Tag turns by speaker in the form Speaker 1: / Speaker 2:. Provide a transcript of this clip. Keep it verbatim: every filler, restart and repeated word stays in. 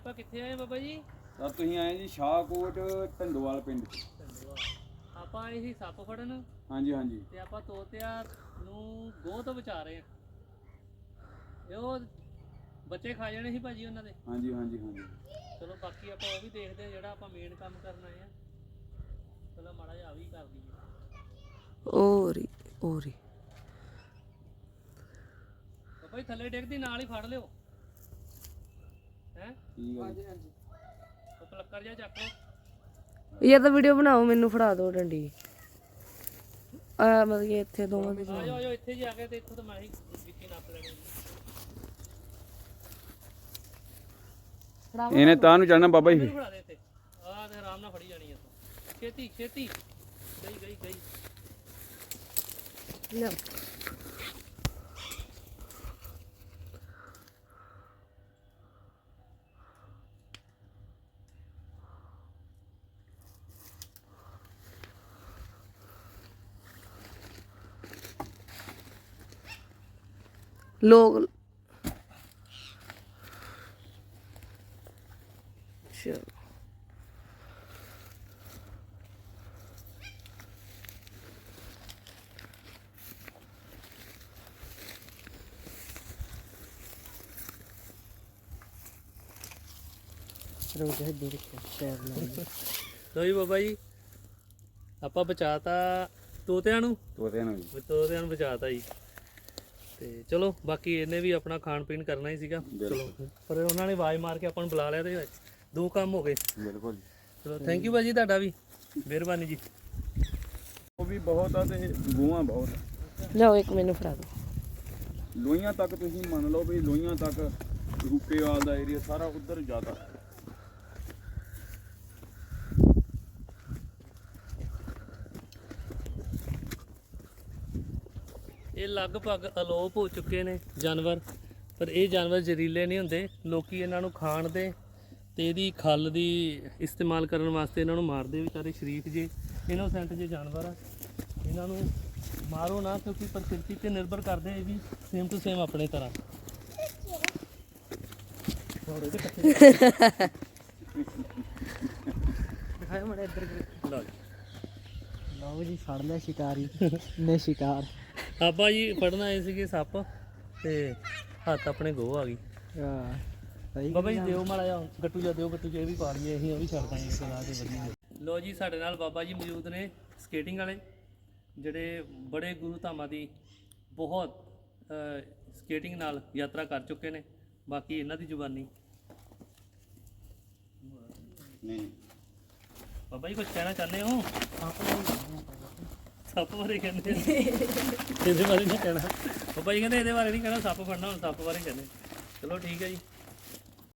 Speaker 1: ਆਪਾਂ ਕਿੱਥੇ ਆਏ ਬਾਬਾ ਜੀ?
Speaker 2: ਤਾਂ ਤੁਸੀਂ ਆਏ ਜੀ ਸ਼ਾਹਕੋਟ ਢੰਡੋਵਾਲ ਪਿੰਡ ਚ।
Speaker 1: ਆਪਾਂ ਆਏ ਸੀ ਸੱਪ ਫੜਨ।
Speaker 2: ਹਾਂਜੀ ਹਾਂਜੀ।
Speaker 1: ਤੇ ਆਪਾਂ ਤੋਤਿਆਂ ਨੂੰ ਗੋਹ ਤੋਂ ਬਚਾ ਰਹੇ ਆ। ਇਹ ਉਹ ਬੱਚੇ ਖਾ ਜਾਣੇ ਸੀ ਭਾਜੀ ਉਹਨਾਂ ਦੇ।
Speaker 2: ਹਾਂਜੀ ਹਾਂਜੀ ਹਾਂਜੀ।
Speaker 1: ਚਲੋ ਬਾਕੀ ਆਪਾਂ ਉਹ ਵੀ ਦੇਖਦੇ ਆ ਜਿਹੜਾ ਆਪਾਂ ਮੇਨ ਕੰਮ ਕਰਨ ਆਏ ਆ। ਚਲੋ ਮਾੜਾ ਜਿਹਾ ਵੀ ਕਰ ਦਈਏ।
Speaker 3: ਓਰੀ ਓਰੀ
Speaker 1: ਬਾਬਾ ਜੀ ਥੱਲੇ ਡਿੱਗਦੀ ਨਾਲ ਹੀ ਫੜ ਲਿਓ। ਹੈ
Speaker 2: ਠੀਕ ਹੈ ਜੀ।
Speaker 1: ਉਹ ਪਲੱਕਰ ਜਿਹਾ ਚੱਕ ਲਓ।
Speaker 3: ਯਾਰ ਤਾਂ ਵੀਡੀਓ ਬਣਾਓ, ਮੈਨੂੰ ਫੜਾ ਦਿਓ ਡੰਡੀ। ਆ ਮਤਲਬ ਕਿ ਇੱਥੇ ਦੋਵਾਂ ਦੇ
Speaker 1: ਆ ਜਾਓ ਆ ਜਾਓ ਇੱਥੇ ਜੀ ਆ ਗਏ ਤੇ ਇੱਥੋਂ ਤਾਂ ਮੈਂ ਹੀ ਵਿੱਚੀ ਨੱਪ ਲੈਣੀ।
Speaker 2: ਇਹਨੇ ਤਾਂ ਨੂੰ ਚੜਨਾ ਬਾਬਾ ਜੀ।
Speaker 1: ਫੜਾ ਦੇ ਇੱਥੇ ਆ ਤੇ ਆਰਾਮ ਨਾਲ ਫੜੀ ਜਾਣੀ ਇੱਥੋਂ। ਛੇਤੀ ਛੇਤੀ ਗਈ ਗਈ ਗਈ
Speaker 3: ਲਿਆ। ਲੋਕ ਚਲੋ ਰੋਜ਼ ਹੈ ਦੇਖ ਕੇ ਸ਼ੇਅਰ ਨਾਲ।
Speaker 1: ਲੋ ਜੀ ਬਾਬਾ ਜੀ ਆਪਾਂ ਬਚਾਤਾ ਤੋਤਿਆਂ ਨੂੰ।
Speaker 2: ਤੋਤਿਆਂ ਨੂੰ ਜੀ।
Speaker 1: ਤੋਤਿਆਂ ਨੂੰ ਬਚਾਤਾ ਜੀ। ਤੇ ਚਲੋ ਬਾਕੀ ਇਹਨੇ ਵੀ ਆਪਣਾ ਖਾਣ ਪੀਣ ਕਰਨਾ ਹੀ ਸੀਗਾ। ਚਲੋ ਪਰ ਉਹਨਾਂ ਨੇ ਆਵਾਜ਼ ਮਾਰ ਕੇ ਆਪਾਂ ਨੂੰ ਬੁਲਾ ਲਿਆ ਤੇ ਦੋ ਕੰਮ ਹੋ ਗਏ।
Speaker 2: ਬਿਲਕੁਲ।
Speaker 1: ਚਲੋ ਥੈਂਕ ਯੂ ਭਾਜੀ ਤੁਹਾਡਾ ਵੀ, ਮਿਹਰਬਾਨੀ ਜੀ।
Speaker 2: ਉਹ ਵੀ ਬਹੁਤ ਆ ਤੇ ਗੂਆਂ ਬਹੁਤ ਆ।
Speaker 3: ਲਿਆਓ ਇੱਕ ਮੈਨੂੰ ਫੜਾ ਦਿਓ।
Speaker 2: ਲੋਹੀਆਂ ਤੱਕ ਤੁਸੀਂ ਮੰਨ ਲਓ ਵੀ ਲੋਹੀਆਂ ਤੱਕ ਰੂਪੇਵਾਲ ਦਾ ਏਰੀਆ ਸਾਰਾ ਉਧਰ ਜ਼ਿਆਦਾ।
Speaker 1: ਇਹ ਲਗਭਗ ਅਲੋਪ ਹੋ ਚੁੱਕੇ ਨੇ ਜਾਨਵਰ, ਪਰ ਇਹ ਜਾਨਵਰ ਜ਼ਹਿਰੀਲੇ ਨਹੀਂ ਹੁੰਦੇ। ਲੋਕੀ ਇਹਨਾਂ ਨੂੰ ਖਾਣ ਦੇ ਤੇ ਇਹਦੀ ਖੱਲ ਦੀ ਇਸਤੇਮਾਲ ਕਰਨ ਵਾਸਤੇ ਇਹਨਾਂ ਨੂੰ ਮਾਰਦੇ। ਵਿਚਾਰੇ ਸ਼ਰੀਫ ਜੇ ਇਨੋਸੈਂਟ ਜੇ ਜਾਨਵਰ ਆ, ਇਹਨਾਂ ਨੂੰ ਮਾਰੋ ਨਾ, ਕਿਉਂਕਿ ਪ੍ਰਕਿਰਤੀ ਤੇ ਨਿਰਭਰ ਕਰਦੇ ਇਹ ਵੀ ਸੇਮ ਟੂ ਸੇਮ ਆਪਣੇ ਤਰ੍ਹਾਂ।
Speaker 3: ਦਿਖਾਓ ਮੜਾ ਇੱਧਰ।
Speaker 1: ਲਓ ਜੀ
Speaker 3: ਲਓ ਜੀ ਫੜ ਲਿਆ ਸ਼ਿਕਾਰੀ ਨੇ ਸ਼ਿਕਾਰ।
Speaker 1: ਆਪਾਂ ਜੀ ਫੜਨ ਆਏ ਸੀਗੇ ਸੱਪ ਤੇ ਹੱਥ ਆਪਣੇ ਗੋਹ ਆ ਗਈ।
Speaker 3: ਹਾਂ ਸਹੀ
Speaker 1: ਬਾਬਾ ਜੀ ਦਿਓ ਮਾੜਾ ਜਿਹਾ ਗੱਟੂ ਜਾ ਦਿਓ, ਗੱਟੂ ਜੇ ਵੀ ਪਾ ਲਈਏ ਅਸੀਂ, ਉਹ ਵੀ ਛੱਡ ਦਾਂਗੇ ਸਲਾਹ ਤੇ ਵਧੀਆ। ਲੋ ਜੀ ਸਾਡੇ ਨਾਲ ਬਾਬਾ ਜੀ ਮੌਜੂਦ ਨੇ ਸਕੇਟਿੰਗ ਵਾਲੇ, ਜਿਹੜੇ ਬੜੇ ਗੁਰੂ ਧਾਮਾਂ ਦੀ ਬਹੁਤ ਸਕੇਟਿੰਗ ਨਾਲ ਯਾਤਰਾ ਕਰ ਚੁੱਕੇ ਨੇ। ਬਾਕੀ ਇਹਨਾਂ ਦੀ ਜ਼ੁਬਾਨੀ।
Speaker 2: ਨਹੀਂ
Speaker 1: ਬਾਬਾ ਜੀ ਕੁਝ ਕਹਿਣਾ ਚਾਹੁੰਦੇ ਹੋ? ਸੱਪ ਬਾਰੇ ਕਹਿੰਦੇ ਇਹਦੇ ਬਾਰੇ ਨਹੀਂ ਕਹਿਣਾ। ਬਾਬਾ ਜੀ ਕਹਿੰਦੇ ਇਹਦੇ ਬਾਰੇ ਨਹੀਂ ਕਹਿਣਾ, ਸੱਪ ਫੜਨਾ ਹੁਣ ਸੱਪ ਬਾਰੇ ਕਹਿੰਦੇ। ਚਲੋ ਠੀਕ ਹੈ ਜੀ।